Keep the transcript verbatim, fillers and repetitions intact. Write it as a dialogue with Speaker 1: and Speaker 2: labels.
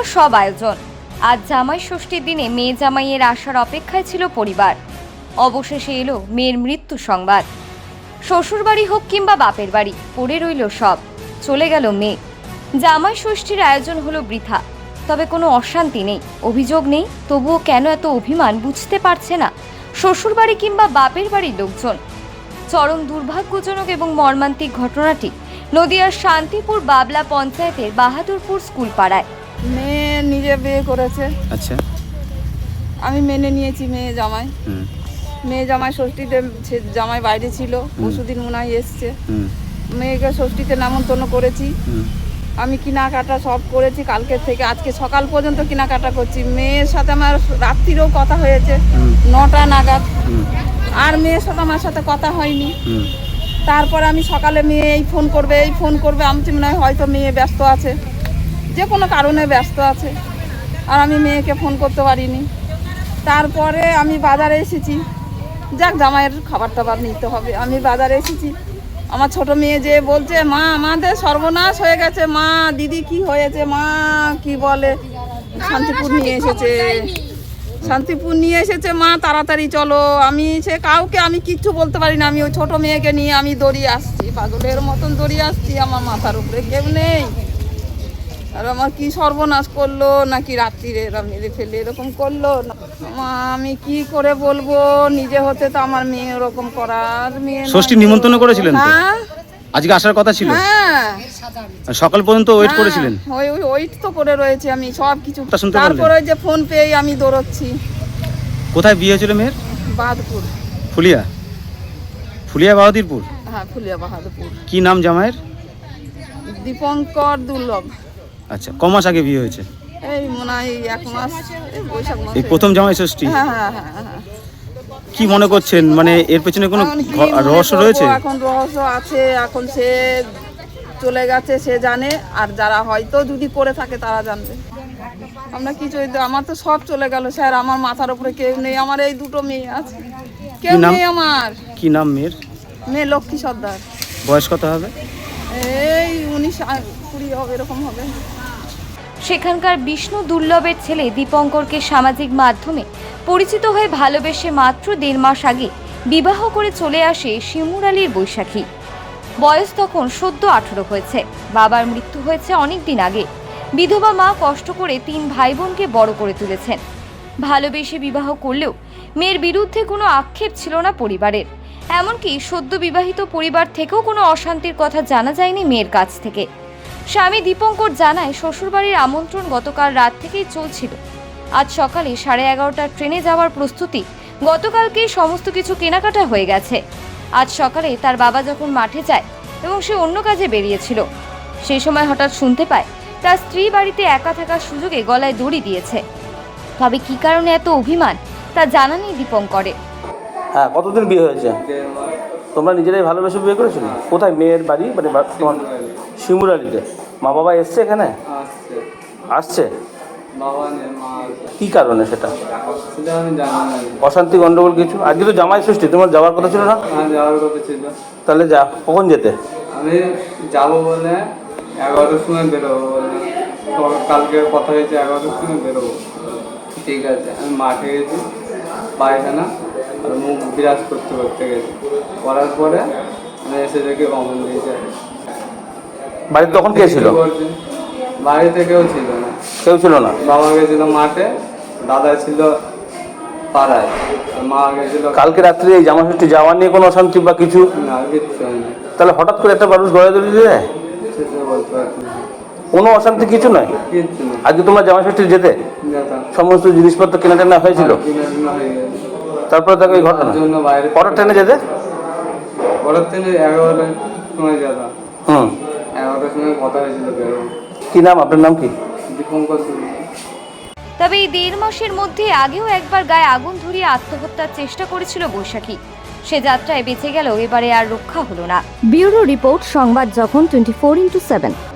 Speaker 1: সব আয়োজন। আজ জামাই ষষ্ঠীর দিনে মেয়ে জামাইয়ের আসার অপেক্ষায় ছিল পরিবার। অবশেষে এলো মেয়ের মৃত্যু সংবাদ। শ্বশুরবাড়ি হোক কিংবা বাপের বাড়ি, পড়ে রইল সব। চলে গেল মেয়ে। জামাই ষষ্ঠীর আয়োজন হলো বৃথা। তবে কোনো অশান্তি নেই, অভিযোগ নেই। তবুও কেন এত অভিমান বুঝতে পারছে না শ্বশুরবাড়ি কিংবা বাপের বাড়ির লোকজন। চরম দুর্ভাগ্যজনক এবং মর্মান্তিক ঘটনাটি নদিয়ার শান্তিপুর বাবলা পঞ্চায়েতের বাহাদুরপুর স্কুল পাড়ায়।
Speaker 2: মেয়ে নিজে বিয়ে করেছে।
Speaker 3: আচ্ছা,
Speaker 2: আমি মেনে নিয়েছি মেয়ে জামাই। মেয়ে জামাই ষষ্ঠীতে জামাই বাইরে ছিল, পরশুদিন মনে হয় এসছে। মেয়েকে ষষ্ঠীতে নেমন্তন্ন করেছি। আমি কেনাকাটা সব করেছি, কালকে থেকে আজকে সকাল পর্যন্ত কেনাকাটা করছি। মেয়ের সাথে আমার রাত্রিরেও কথা হয়েছে নটা নাগাদ, আর মেয়ের সাথে আমার সাথে কথা হয়নি। তারপর আমি সকালে মেয়ে এই ফোন করবে এই ফোন করবে আমি মনে হয় হয়তো মেয়ে ব্যস্ত আছে, যে কোনো কারণে ব্যস্ত আছে, আর আমি মেয়েকে ফোন করতে পারিনি। তারপরে আমি বাজারে এসেছি, যাক জামাইয়ের খাবার টাবার নিতে হবে। আমি বাজারে এসেছি, আমার ছোট মেয়ে যে বলছে মা আমাদের সর্বনাশ হয়ে গেছে, মা দিদি কি হয়েছে, মা কি বলে শান্তিপুর নিয়ে এসেছে, শান্তিপুর নিয়ে এসেছে মা তাড়াতাড়ি চলো। আমি সে কাউকে আমি কিচ্ছু বলতে পারি না। আমি ওই ছোট মেয়েকে নিয়ে আমি দৌড়িয়ে আসছি, পাগলের মতন দৌড়িয়ে আসছি। আমার মাথার উপরে কেউ নেই, আর আমার কি সর্বনাশ করলো, নাকি রাত্রিরে এরা মেরে ফেলে এরকম করলো। আমি কি করে বলবো, নিজে হতে তো আমার মেয়ে ওরকম করার মেয়ে।
Speaker 3: ষষ্ঠী নিমন্ত্রণ করেছিলেন?
Speaker 2: হ্যাঁ,
Speaker 3: আজকে আসার কথা ছিল।
Speaker 2: হ্যাঁ,
Speaker 3: সকাল পর্যন্ত ওয়েট করেছিলেন?
Speaker 2: ওই ওই ওয়েট তো করে রয়েছে আমি সব কিছু। তারপরে যে ফোন পেয়ে আমি দৌড়চ্ছি।
Speaker 3: কোথায় বিয়ে হয়েছিল মেয়ের?
Speaker 2: বাহাদুরপুর।
Speaker 3: ফুলিয়া? ফুলিয়া বাহাদুরপুর?
Speaker 2: হ্যাঁ, ফুলিয়া বাহাদুরপুর।
Speaker 3: কি নাম জামাইয়ের?
Speaker 2: দীপঙ্কর দুর্লভ।
Speaker 3: আচ্ছা, ক মাস আগে বিয়ে হয়েছে?
Speaker 2: এই মনে হয় এক মাস, বৈশাখ মাস।
Speaker 3: এই প্রথম জামাই ষষ্ঠী?
Speaker 2: হ্যাঁ হ্যাঁ হ্যাঁ হ্যাঁ।
Speaker 3: কি মনে করছেন, মানে এর পেছনে কোনো রহস্য রয়েছে?
Speaker 2: এখন রহস্য আছে, এখন সে চলে গেছে সে জানে, আর যারা হয়তো যদি করে থাকে তারা জানবে। আমরা কিছু, আমার তো সব চলে গেল স্যার, আমার মাথার উপরে কেউ নেই। আমার এই দুটো মেয়ে আছে, কেউ নেই আমার।
Speaker 3: কি নাম মেয়ের?
Speaker 2: মেয়ে লক্ষ্মী সর্দার।
Speaker 3: বয়স কত হবে?
Speaker 2: এই উনিশ কুড়ি হবে, এরকম হবে।
Speaker 1: সেখানকার বিষ্ণু দুর্লভের ছেলে দীপঙ্করকে সামাজিক মাধ্যমে পরিচিত হয়ে ভালোবেসে মাত্র দেড় মাস আগে বিবাহ করে চলে আসে শিমুর আলীর বৈশাখী। বয়স তখন সদ্য আঠারো হয়েছে। বাবার মৃত্যু হয়েছে অনেক দিন আগে। বিধবা মা কষ্ট করে তিন ভাই বোনকে বড় করে তুলেছেন। ভালোবেসে বিবাহ করলেও মেয়ের বিরুদ্ধে কোনো আক্ষেপ ছিল না পরিবারের। এমনকি সদ্য বিবাহিত পরিবার থেকেও কোনো অশান্তির কথা জানা যায়নি মেয়ের কাছ থেকে। স্বামী দীপঙ্কর জানায় শ্বশুরবাড়ির আমন্ত্রণ গতকাল রাত থেকেই চলছিল। আজ সকালে সাড়ে এগারোটার ট্রেনে যাওয়ার প্রস্তুতি, গতকালকেই সমস্ত কিছু কেনাকাটা হয়ে গেছে। আজ সকালে তার বাবা যখন মাঠে যায় এবং সে অন্য কাজে বেরিয়েছিল, সেই সময় হঠাৎ শুনতে পায় তার স্ত্রী বাড়িতে একা থাকার সুযোগে গলায় দড়ি দিয়েছে। তবে কি কারণে এত অভিমান তা জানা নেই দীপঙ্করের।
Speaker 4: হ্যাঁ, কতদিন বিয়ে হয়েছে? তোমরা নিজেরাই ভালোবেসে বিয়ে করেছিলে? কোথায় মেয়ের বাড়ি? মানে তোমার শিমুরালিতে। মা বাবা এসছে এখানে? আসছে? কি কারণে সেটা? অশান্তি গন্ডগোল কিছু? আজকে তো জামাই ষষ্ঠী, তোমার যাওয়ার কথা ছিল না?
Speaker 5: যাওয়ার কথা ছিল।
Speaker 4: তাহলে যা, কখন যেতে?
Speaker 5: আমি যাবো বলে এগারোটার সময় বেরোবো বলে, কালকে কথা হয়েছে এগারোটার সময় বেরোবো। ঠিক আছে, আমি মাঠে গেছি পায়খানা আর মুখ বিরাজ করতে করতে গেছি। করার পরে আমি এসে দেখি কমন দিয়েছে।
Speaker 4: বাড়িতে তখন কে ছিল?
Speaker 5: বাড়িতে কেউ ছিল না।
Speaker 4: কেউ ছিল না?
Speaker 5: বাবা গেছিল মাঠে, দাদা ছিল পাড়ায়, মা গেছিল।
Speaker 4: কালকে রাত্রে এই জামা ষষ্ঠী যাওয়া নিয়ে কোনো অশান্তি বা কিছু?
Speaker 5: না, কিচ্ছু হয়নি।
Speaker 4: তাহলে হঠাৎ করে একটা মানুষ গড়ে তুলে দিয়ে যায়?
Speaker 5: সেটা বলতে পারছি না।
Speaker 4: কোনো অশান্তি কিছু নয়?
Speaker 5: কিচ্ছু না।
Speaker 4: আজকে তোমার জামা ষষ্ঠী যেতে সমস্ত জিনিসপত্র কেনা টেনা হয়েছিল? তারপরে দেখো এই ঘটনা। পরের ট্রেনে যেতে?
Speaker 5: পরের ট্রেনে এগারোটার সময় যেতাম।
Speaker 4: হুম,
Speaker 5: এগারোটার সময় কথা হয়েছিল বেরোবো।
Speaker 4: কি নাম? আপনার নাম কি?
Speaker 5: দীপঙ্কর।
Speaker 1: তবে এই দেড় মাসের মধ্যে আগেও একবার গায়ে আগুন ধরিয়ে আত্মহত্যার চেষ্টা করেছিল বৈশাখী। সে যাত্রায় বেঁচে গেলেও এবারে আর রক্ষা হলো না। ব্যুরো রিপোর্ট, সংবাদ যখন টোয়েন্টি ফোর ইন্টু সেভেন।